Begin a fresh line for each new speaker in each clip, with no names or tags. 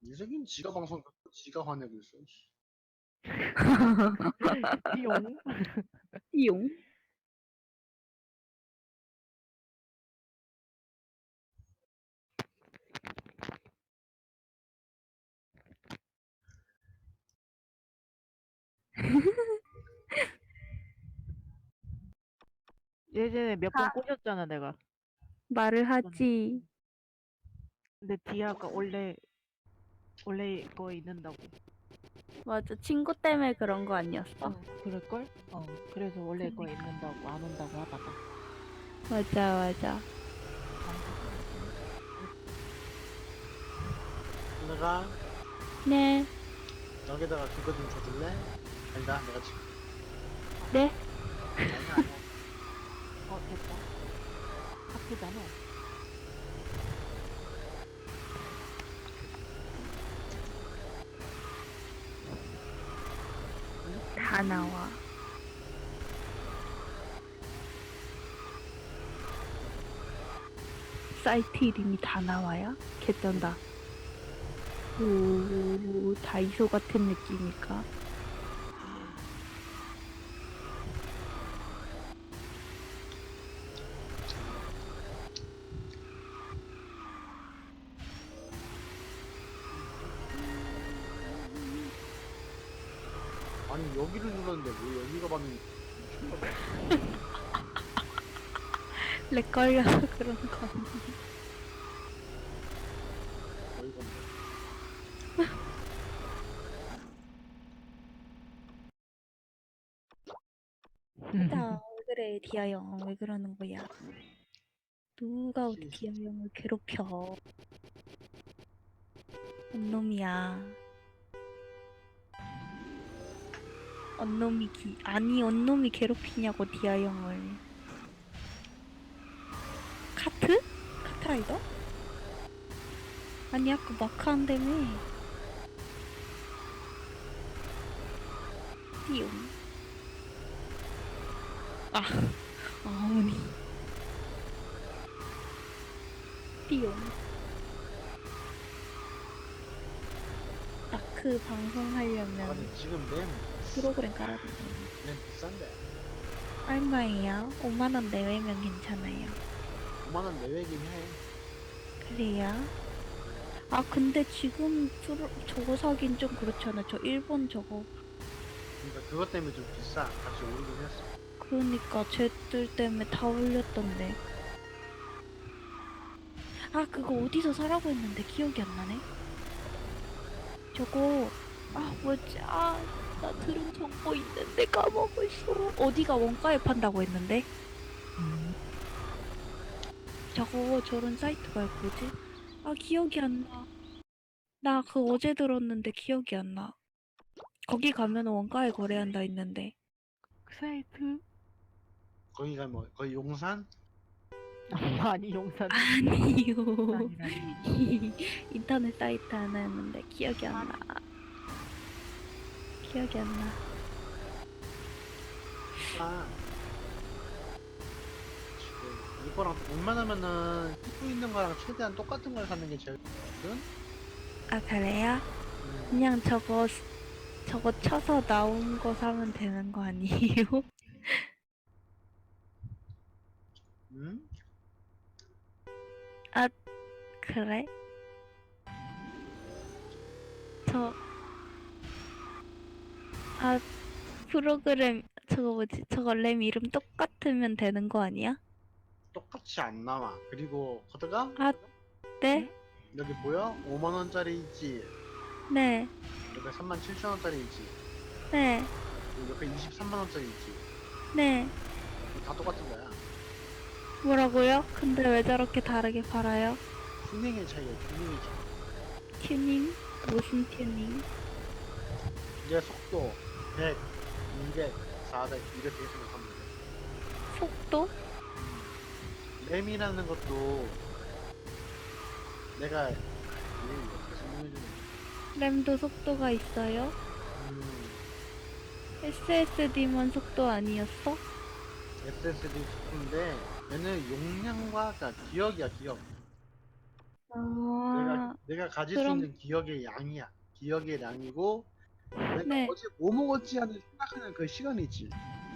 유석이는 지가 방송 듣고 지가 화내고 있어. 씨.
띠용.
띠용.
예전에 몇 번 꼬셨잖아 내가.
말을 하지.
근데 디아가 원래 거 있는다고.
맞아. 친구 때문에 그런 거 아니었어?
그럴걸? 그래서 원래 거 있는다고 안 온다고 하다가.
맞아, 맞아.
내가
네.
여기다가 그거 좀 줘줄래? 아니다, 내가 지금.
네.
아니야, 아니야.
됐다. 학교잖아.
다 나와. 사이트 이름이 다 나와요? 개쩐다. 오, 다이소 같은 느낌일까?
아니, 여기를 눌렀는데 왜 여기가 받는 미쳤나봐.
렉 걸려서 그런 거 아니야?
어이가 없네.
나 그래, 디아 형. 왜 그러는 거야? 누가 우리 디아 형을 괴롭혀? 언놈이야. 아니, 언놈이 괴롭히냐고, 디아 형을. 카트? 카트라이더? 아니, 아까 마크 한다며. 띠용. 어머니. 띠용. 마크 방송하려면
아니, 지금 램
프로그램 깔아야 돼.
비싼데.
얼마예요? 5만원 내외면 괜찮아요.
5만원 내외긴 해.
그래요? 아, 근데 지금 저거 사긴 좀 그렇잖아. 저 일본 저거.
그러니까 그것 때문에 좀 비싸. 같이 오르긴 했어.
그러니까 쟤들 때문에 다 올렸던데. 아, 그거 어디서 사라고 했는데 기억이 안 나네. 저거 뭐지? 나 들은 정보 있는데 까먹었어. 어디가 원가에 판다고 했는데? 저거 저런 사이트가 뭐지? 기억이 안 나. 나 그거 어제 들었는데 기억이 안 나. 거기 가면 원가에 거래한다 했는데.
그 사이트?
거기가 뭐, 거기 용산?
아니 용산.
아니요.
아니라니.
인터넷 사이트 하나였는데 기억이 안 나. 기억이 안 나.
아. 지금 이거랑 웬만하면은 입고 있는 거랑 최대한 똑같은 걸 사는 게 제일 좋거든?
아, 그래요? 그냥 저거 쳐서 나온 거 사면 되는 거 아니에요?
응?
그래? 프로그램 저거 뭐지? 저거 램 이름 똑같으면 되는 거 아니야?
똑같이 안 나와. 그리고 코드가
네?
여기 보여? 5만원짜리 있지?
네.
옆에 37,000원짜리 있지?
네.
그리고 옆에 23만원짜리 있지?
네.
다 똑같은 거야.
뭐라고요? 근데 왜 저렇게 다르게 팔아요?
튜닝의 차이야, 튜닝의 차이.
튜닝? 무슨 튜닝?
이게 속도 100, 200, 400 이렇게 생각하면 돼.
속도?
램이라는 것도 내가 어떻게 설명해주냐.
램도 속도가 있어요? SSD만 속도 아니었어?
SSD 속도인데 얘는 용량과 그러니까 기억이야, 기억.
아,
내가 가질 수
그럼-
있는 기억의 양이야. 기억의 양이고 내가
네.
어제 뭐 먹었지 하는 생각하는 그 시간이지.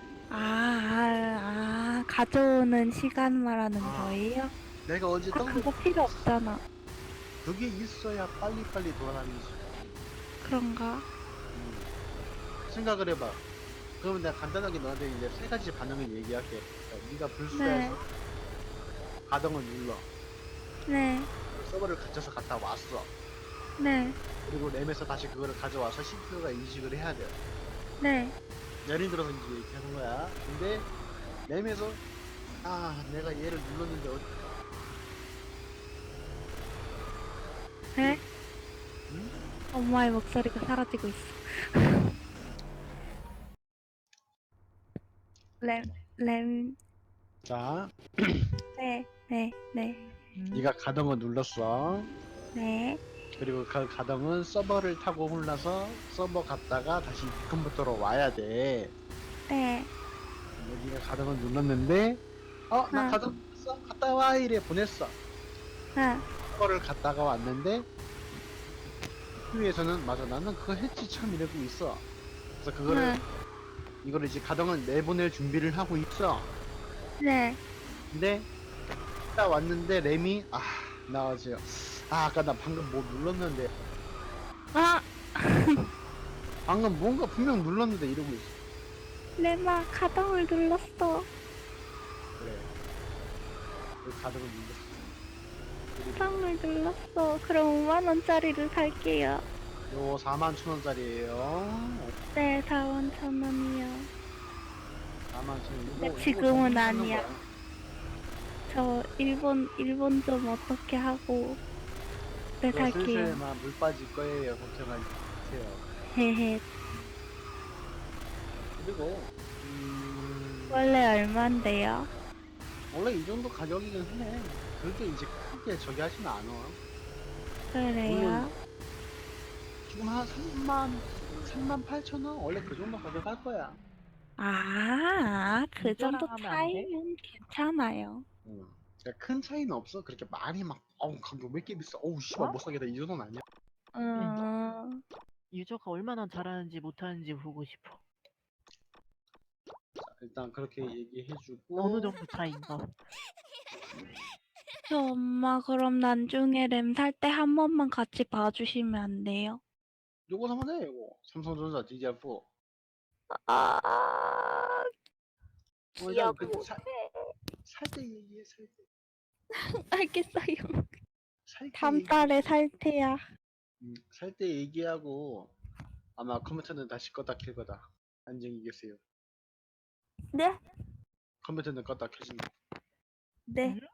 가져오는 시간 말하는
아.
거예요?
내가 어제 떡
그거 필요 없잖아.
그게 있어야 빨리빨리 돌아다니지.
그런가?
생각을 해봐. 그러면 내가 간단하게 너한테 이제 세 가지 반응을 얘기할게. 그러니까 네가 불수해서 가동을 눌러.
네,
서버를 갇혀서 갔다 왔어.
네,
그리고 램에서 다시 그거를 가져와서 CPU가 인식을 해야 돼.
네.
예를 들어서 이제 이렇게 하는 거야. 근데 램에서 내가 얘를 눌렀는데
네?
응?
엄마의 목소리가 사라지고 있어. 램,
자,
네, 네, 네,
네가 가동을 눌렀어.
네,
그리고 그 가동은 서버를 타고 올라서 서버 갔다가 다시 컴퓨터로 와야 돼.
네.
근데 네가 가동을 눌렀는데 나
아,
가동 눌렀어. 갔다 와 이래 보냈어.
아,
서버를 갔다가 왔는데 CPU에서는 맞아 나는 그거 했지 참 이러고 있어. 그래서 그거를 이거를 이제 가동을 내보낼 준비를 하고 있어.
네.
근데 갔다 왔는데 램이 나 어제 아까 나 방금 뭐 눌렀는데
아,
방금 뭔가 분명 눌렀는데 이러고 있어.
램아, 가동을 눌렀어.
그래. 그 가동을 눌렀어. 그리고
가동을 눌렀어. 그럼 5만원짜리를 살게요.
요 41,000원짜리에요.
네, 41,000원이요.
41,000원.
근데 지금은 아니야. 저 일본 좀 어떻게 하고 네
슬슬
살게요.
막 물 빠질 거예요. 걱정하지 마세요.
헤헤.
그리고
원래 얼만데요?
원래 이 정도 가격이긴 해. 그게 이제 크게 저기 하진 않아.
그래요?
지금 한 38,000원? 원래 그 정도 가격 할 거야.
그 정도
이거랑 하면 안 돼?
차이면 괜찮아요.
그러니까 큰 차이는 없어. 그렇게 많이 막, 가격 왜 이렇게 비싸? 씨발,
어?
못 사겠다. 이 정도는 아니야.
유저가 얼마나 잘하는지 못하는지 보고 싶어.
자, 일단 그렇게 얘기해주고.
어느 정도 차이인가?
저 엄마 그럼 나중에 램 살 때 한 번만 같이 봐주시면 안 돼요?
요거 사면 돼, 이거. 삼성전자 DDR4.
아,
일단
기억
그,
못해.
살 때 얘기해, 살 때.
알겠어요.
살 때
다음
얘기.
달에 살 테야.
살 때 얘기하고, 아마 컴퓨터는 다시 껐다 켤 거다. 안녕히 계세요.
네?
컴퓨터는 껐다 켜진다.
네.
응?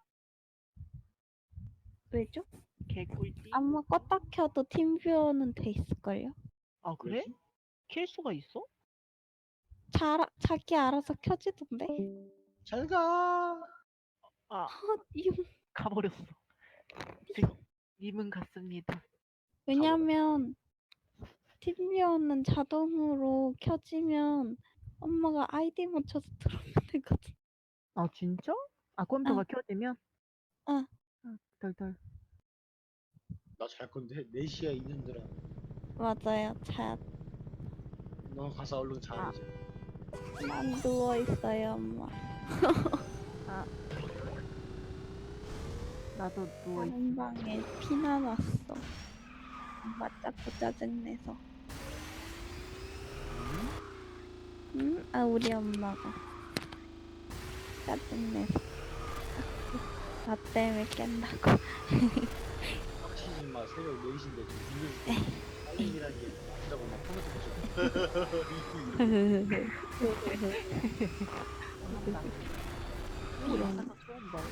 왜죠?
개꿀띠?
아마 껐다 켜도 팀뷰어는 돼 있을걸요?
아 그래?
왜지?
킬 수가 있어?
자기 알아서 켜지던데?
잘 가.
아
이거
가버렸어. 님은 갔습니다.
왜냐면 팀뷰어는 자동으로 켜지면 엄마가 아이디 맞춰서 들어오면 되거든.
아 진짜? 아 컴퓨터가 켜지면?
응.
덜덜.
나 잘 건데, 4시야, 이년들아.
맞아요. 자,
너 가서 얼른 자,
아.
이제.
난 누워 있어요, 엄마.
나도 누워 있.
다른 방에 피나 났어. 엄마 자꾸 짜증내서. 응? 우리 엄마가 짜증내서. 자꾸 나 때문에 깬다고.
빡치지 마. 새벽 4시인데 좀 준비해줄게. 빨리라는 게 아프다고 막 컴퓨터
영상가 처음 봐.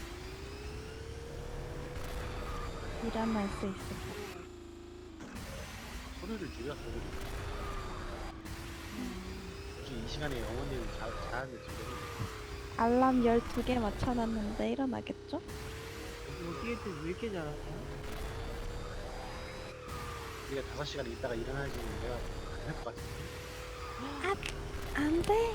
일어날 수 있을까?
소리를 줄여, 소리를. 솔직히 이 시간에 어머니는 자는데 지금.
알람 12개 맞춰놨는데 일어나겠죠?
여기 애들 왜 이렇게 잘하냐?
우리가 5시간 있다가 일어나야지 내가 할 것 같은데.
안 돼.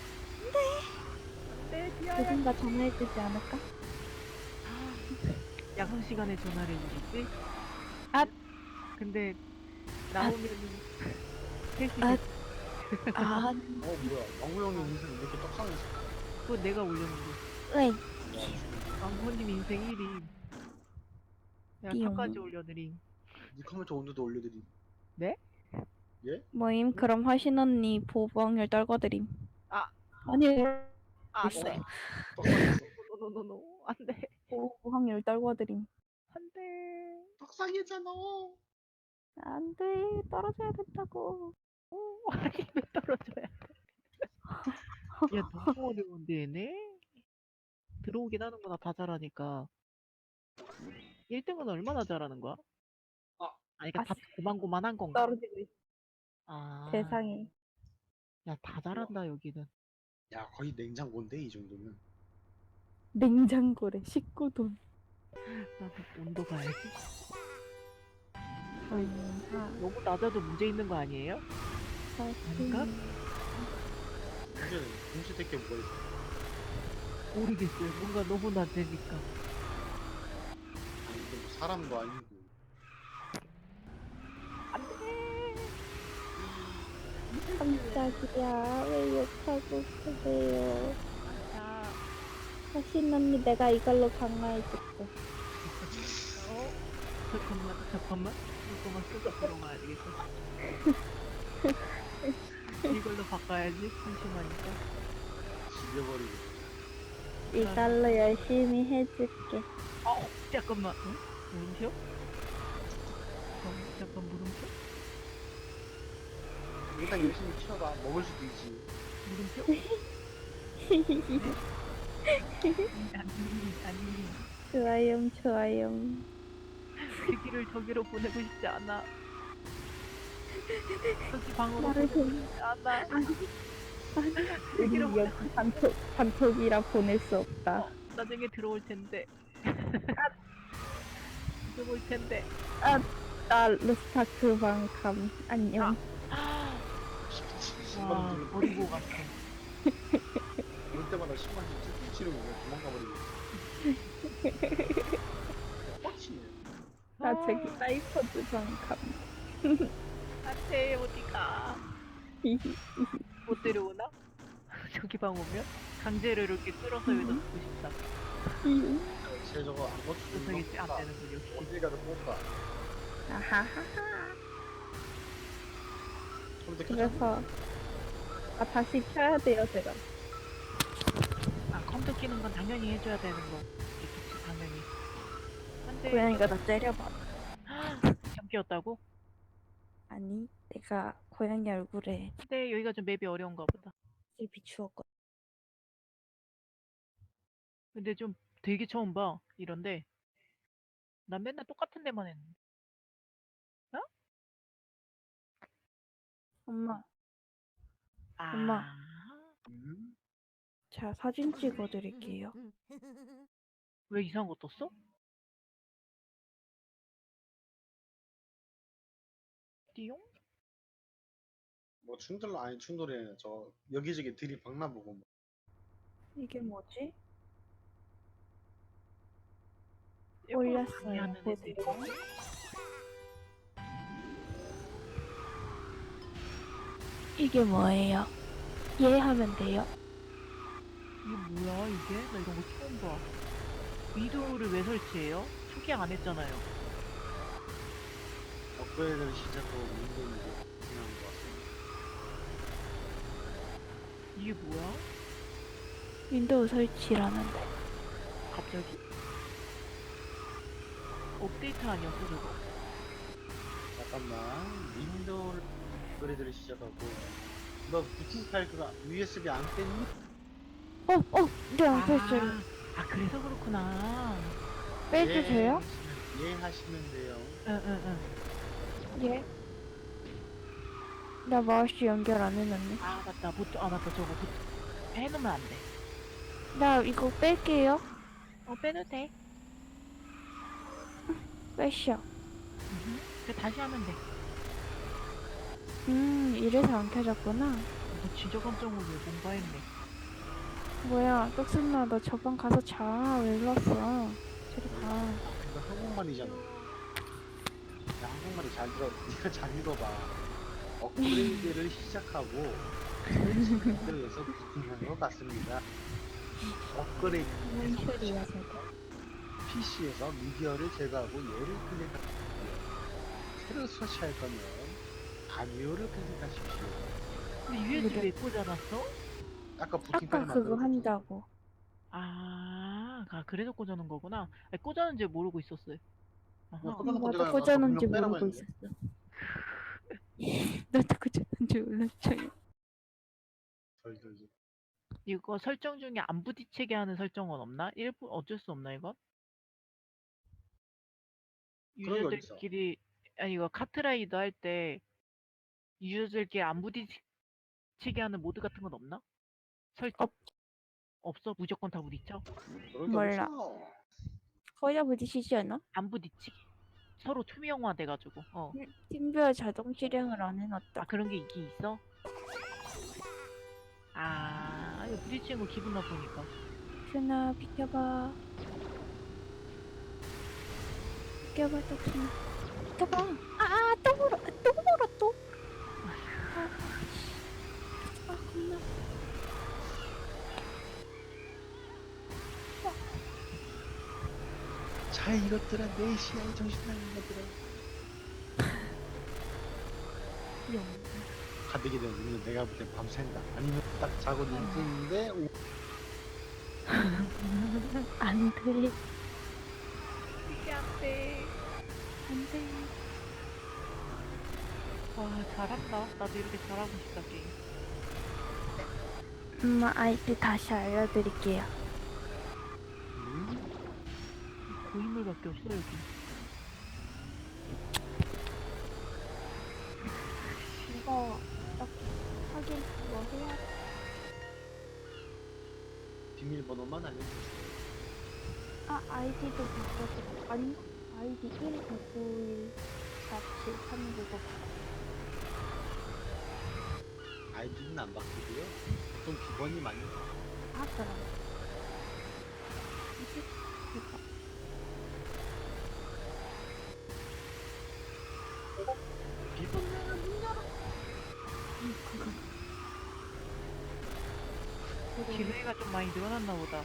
네,
누군가 전화해주지 않을까?
약속 시간에 전화를 해주겠지?
아.
근데 나오면은 셋이
아.
됐-
아,
뭐야 왕구 형님 인생 왜 이렇게 떡상했어?
그거 내가 올렸는데
왜?
왕호님 인생 1위. 내가
띠용.
탑까지 올려드림.
니 컴퓨터 온도도 올려드리.
네?
예?
뭐임? 그럼 하신 언니 보복률 떨궈드림.
아,
아니,
안 돼.
떡상했어.
노노노노. 안 돼.
보복률 떨궈드림.
안 돼.
떡상했잖아.
안 돼, 떨어져야 된다고.
아니, 왜 떨어져야 돼? 야, 너무 어려운데, 얘네? 들어오긴 하는구나, 다 잘하니까. 1등은 얼마나 잘하는 거야?
아.
아니, 그니까
아,
다 고만고만한 건가?
떨어지고 있어.
아,
세상에.
야, 다 잘한다, 여기는.
야 거의 냉장고인데 이 정도면.
냉장고래, 19돈.
나도 온도 가야지.
아,
너무 낮아도 문제 있는 거 아니에요? 아닌가?
문제는 공시될 게 뭐가 있어?
모르겠어요. 뭔가 너무 낮으니까.
아니 이게 뭐 사람도 아니고.
안 돼!
깜짝이야. 왜 욕하고 그래요?
자,
하신 언니 내가 이걸로 강화해줄게.
잠깐만. 이거만 쓰고 들어가야 되겠어. 이걸로 바꿔야지. 심심하니까.
죽여버리고.
이걸로 열심히 해줄게.
잠깐만. 응? 물음표? 잠깐 물음표?
일단 열심히 키워봐. 먹을 수도 있지.
물음표? 아니.
좋아요, 좋아요.
그 길을 저기로 보내고 싶지 않아. 저기 방으로
나를
보내고 싶지 않아.
우리 여기 단톡이라 보낼 수 없다.
나중에 들어올 텐데. 들어올 텐데.
나 루스타크 방감. 안녕.
와, 버리고 갔어.
올 때마다 10만씩 쭉 치르고 그냥 도망가버리고. 뻗치네.
나 저기 사이퍼즈 방감.
안돼, 어디가? 못 데려오나? 저기 방 오면? 강제로 이렇게 끌어서 여기다 두고 싶다.
쟤 저거 안 고쳐주는
그래서겠지, 안 되는군, 역시.
어딜 가도 뽑아.
아하하하.
컴퓨터 켜져?
그래서 다시 켜야 돼요, 제가.
아, 컴퓨터 키는 건 당연히 해줘야 되는 거. 그치, 당연히. 안돼.
고양이가 나 때려봐.
잠기였다고?
아니, 내가 고양이 얼굴에
근데 여기가 좀 맵이 어려운가 보다.
을 비추었거든.
근데 좀 되게 처음 봐, 이런데. 난 맨날 똑같은 데만 했는데. 어?
엄마,
아.
엄마.
음?
자, 사진 찍어드릴게요.
왜 이상한 거 떴어? 띠용?
뭐 충돌 아니 충돌이 저 여기저기 들이박나 보고 뭐.
이게 뭐지?
많이
올렸어요.
하는 애들이.
보세요. 이게 뭐예요? 이해하면 돼요.
이게 뭐야, 이게? 나 이런 거 처음 봐. 위도우를 왜 설치해요? 초기 안 했잖아요.
업그레이드를 시작하고 윈도우를 그냥 왔어.
이게 뭐야?
윈도우 설치라는데.
갑자기? 업데이트 아니었어, 저거?
잠깐만 윈도우를 업그레이드를 시작하고 너 부팅 파일 그거 USB 안 뺐니?
네, 안 뺐어요.
그래서 그렇구나.
빼도 돼요?
예 하시면 돼요.
응.
예. 나 마우스 연결 안 해놨네.
맞다. 맞다. 저거 해놓으면 안 돼.
나 이거 뺄게요.
빼도 돼.
빼셔.
다시 하면 돼.
이래서 안 켜졌구나.
너 진짜 깜짝 놀래. 뭔가 했네.
뭐야, 떡순나 너 저방 가서 자. 왜 일로 왔어? 저리 가.
잘 들어. 네가 잘 읽어봐. 업그레이드를 시작하고 설치를 해서 부팅한 것 같습니다. 업그레이드
뭔 소리야 저거.
PC에서 미디어를 제거하고 얘를 클릭하십시오. 새로 설치할 거면 아니오를 클릭하십시오.
근데 USB 왜 꽂아놨어?
아까 부팅
아까
파일
그거
만들어줬잖아.
한다고.
그래서 꽂아놓은 거구나. 아니, 꽂아놓은지 모르고 있었어요.
뭐
아하.
꽂아놓고
나도
내가
꽂아놓은지
그냥 빼라고
모르고
했는데.
있었어. 나도 꽂아놓은지 몰랐어요.
덜덜덜.
이거 설정 중에 안 부딪히게 하는 설정은 없나? 일부 어쩔 수 없나 이건?
그런 게 어딨어?
유저들끼리 아니 이거 카트라이더 할 때 유저들끼리 안 부딪히게 하는 모드 같은 건 없나? 설정?
없.
없어? 무조건 다 부딪혀?
그런 게
몰라.
어딨어?
거의 부딪히지 않아?
안 부딪히게? 서로 투명화 돼가지고
팀뷰어 자동 실행을 안 해놨다.
그런 게 있긴 있어? 이거 부딪히는 거 기분 나쁘니까.
큐나 비켜봐. 비켜봐 떡순아. 비켜봐. 또 물어. 또 물어 또. 겁나.
자, 이것들아, 내 시야에 정신 나간 것들아.
영.
가득이 되면 우리는 내가 볼 땐 밤샌다. 아니면 딱 자고 눈 뜨는데
안 돼.
이게 안 돼.
안 돼.
와 잘한다. 나도 이렇게 잘하고 싶다 게임.
아이디 다시 알려드릴게요.
고인물밖에 없어 여기.
이거 딱 확인 뭐 해야 돼?
비밀번호만 알려주세요.
아이디도 바꿔줘. 아니 아이디 1991 4739.
아이디는 안 바뀌고요. 보통 비번이 많이
그럼. 이게 이거.
비번은 문 열어.
그거.
기회가 좀 많이 늘어났나 보다.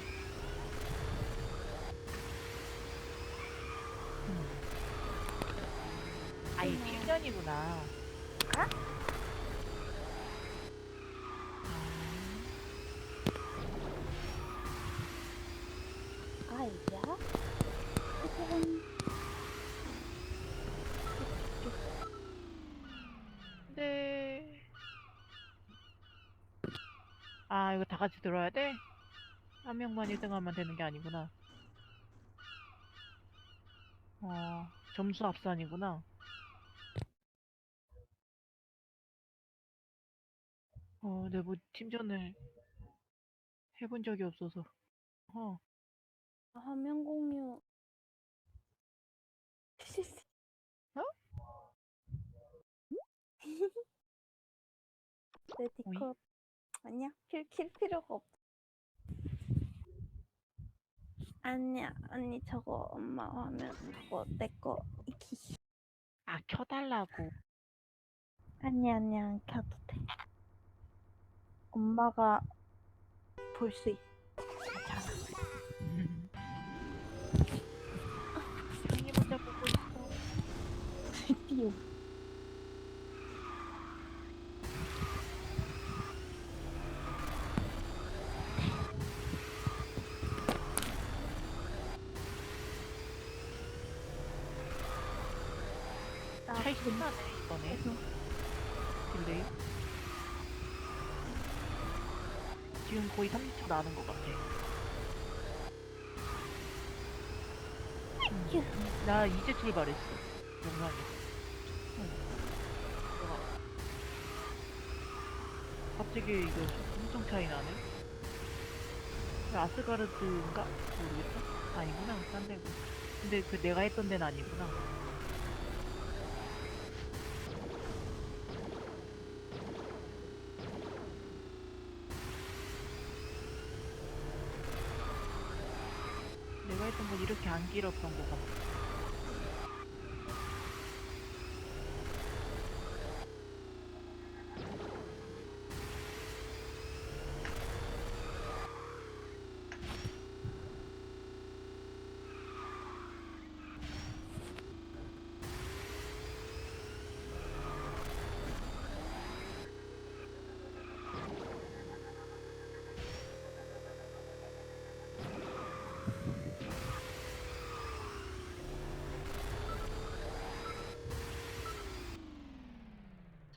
아예 필전이구나.
아이디야? 이건
네. 이거 다 같이 들어야 돼? 한 명만 1등하면 되는 게 아니구나. 점수 합산이구나. 내가 뭐 팀전을 해본 적이 없어서.
화면 공유. 내
오이?
디컵 아니야? 킬 필요가 없. 아니야 언니 저거 엄마 화면 저거 내거 이키.
켜달라고.
아니야 안 켜도 돼. 엄마가 볼 수 있. 괜찮아.
형이 먼저 보고 있어.
드디어.
차이 신나네 이번에. 딜레이. 지금 거의 30초 나는 것 같아. 나 이제 출발했어. 영상에서. 갑자기 이거 엄청 차이 나네. 아스가르드인가? 모르겠다. 아니구나. 딴 데고. 근데 그 내가 했던 데는 아니구나. 내가 했던 건 이렇게 안 길었던 것 같아.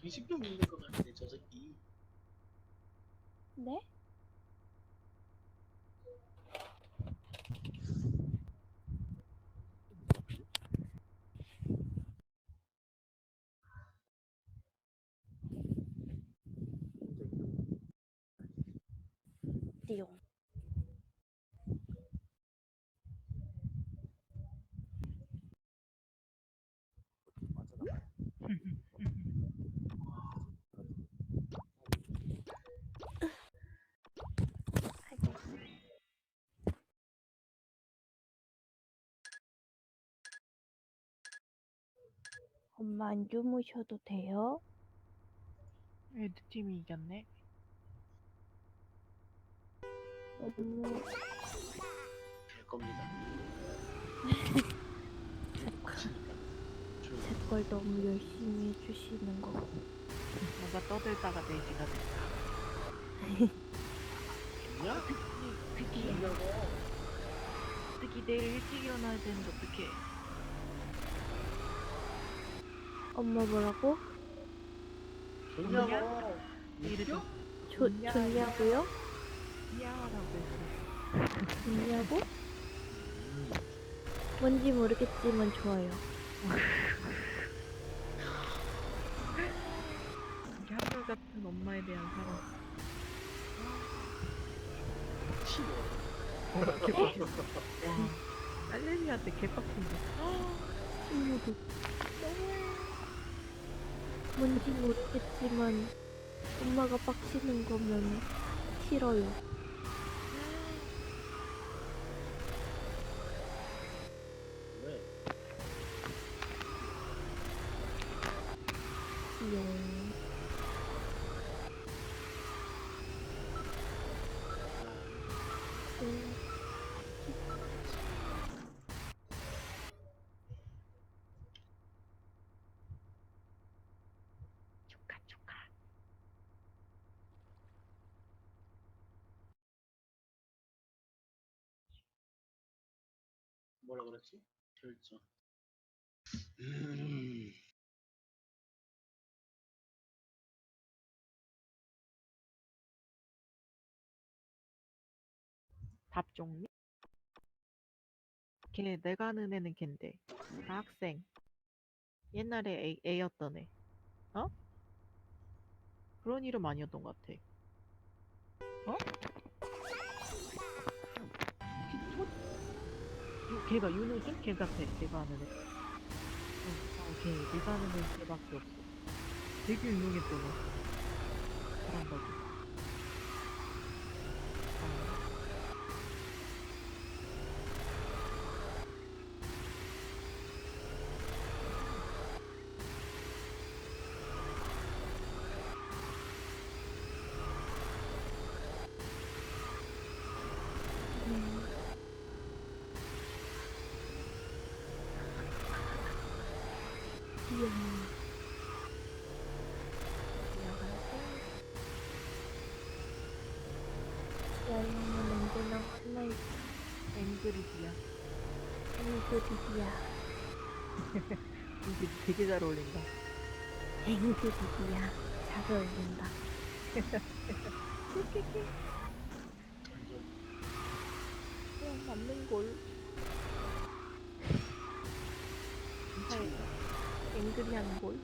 20점 있는 것 같네 저 새끼.
네? 띠용. 엄마 안 주무셔도 돼요?
레드팀이 이겼네.
너무
될 겁니다. 빡치니까. 조용히.
제 걸 너무 열심히 해주시는 거.
뭔가 떠들다가 4시가 됐다.
야?
특히 내일 일찍 일어나야 되는데 어떡해.
엄마 뭐라고?
좋냐고.
내일은 좀
좋냐고요?
미안하다고 했어.
좋냐고? 뭔지 모르겠지만 좋아요.
이게 한결같은 엄마에 대한 사랑. 와, 딸내미한테 개빡친데.
친구도 뭔지 모르겠지만 엄마가 빡치는 거면 싫어요.
왜?
귀여워.
축하 축하.
뭐라 그랬지? 결정.
답 종류? 걔 내가 아는 애는 걘데. 다 학생. 옛날에 A였던 애. 어? 그런 이름 아니었던 것 같아. 어? 걔가 윤우준? 걔 같아. 내가 아는 애. 걔. 내가 아는 애 걔밖에 없어. 되게 유명했던 애. 잘한다고.
귀여워. 야영은 언제나 화나있어.
앵그리디야.
앵그리디야.
이게 되게 잘 어울린다.
앵그리디야. 잘 어울린다.
맞는걸. 앵그리한걸.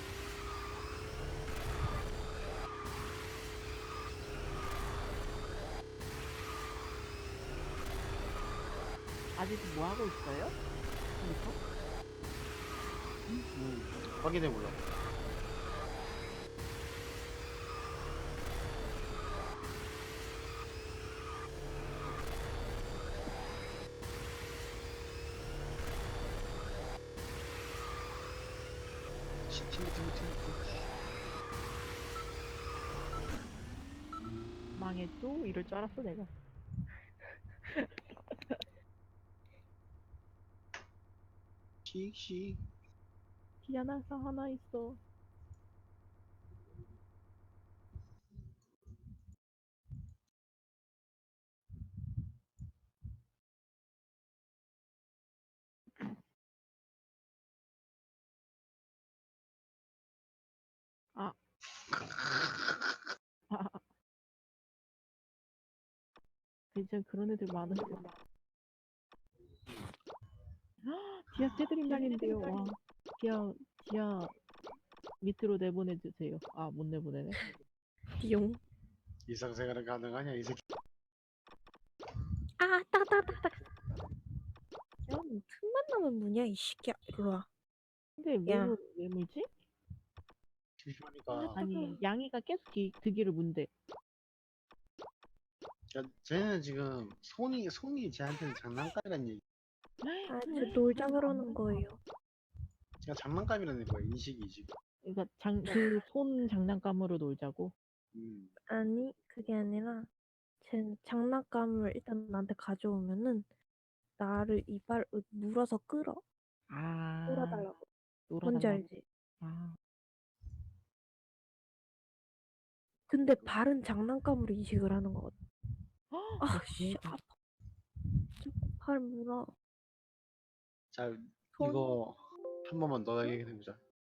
아직도 뭐 하고 있어요? 여기서?
확인해 볼라. 팀.
망했죠? 이럴 줄 알았어 내가.
씩씩.
디아나사 하나 있어. 아, 괜찮아. 그런 애들 많은데. 지하 새들이 날린대요. 와. 지하 밑으로 내보내주세요. 아, 못 내보내네.
용.
일상생활은 가능하냐 이 새끼.
아, 따다다다. 야, 뭐 틈만 나면 뭐냐, 이 새끼야. 이리 와.
근데
야.
왜 물지?
심심하니까.
아니, 양이가 계속 드기를 문대.
쟤는 지금 손이 쟤한테는 장난감이란 얘기.
아, 저 놀자 그러는 거예요.
제가 장난감이라는 거야 인식이 지금.
그러니까 그 손 장난감으로 놀자고.
아니, 그게 아니라, 쟨 장난감을 일단 나한테 가져오면은, 나를 물어서 끌어.
아,
끌어달라고. 뭔지
놀아달라고.
알지?
아,
근데 발은 장난감으로 인식을 하는 거거든. 아, 씨,
대박.
아파. 발 물어.
자
손.
이거 한 번만 더 얘기해 보자.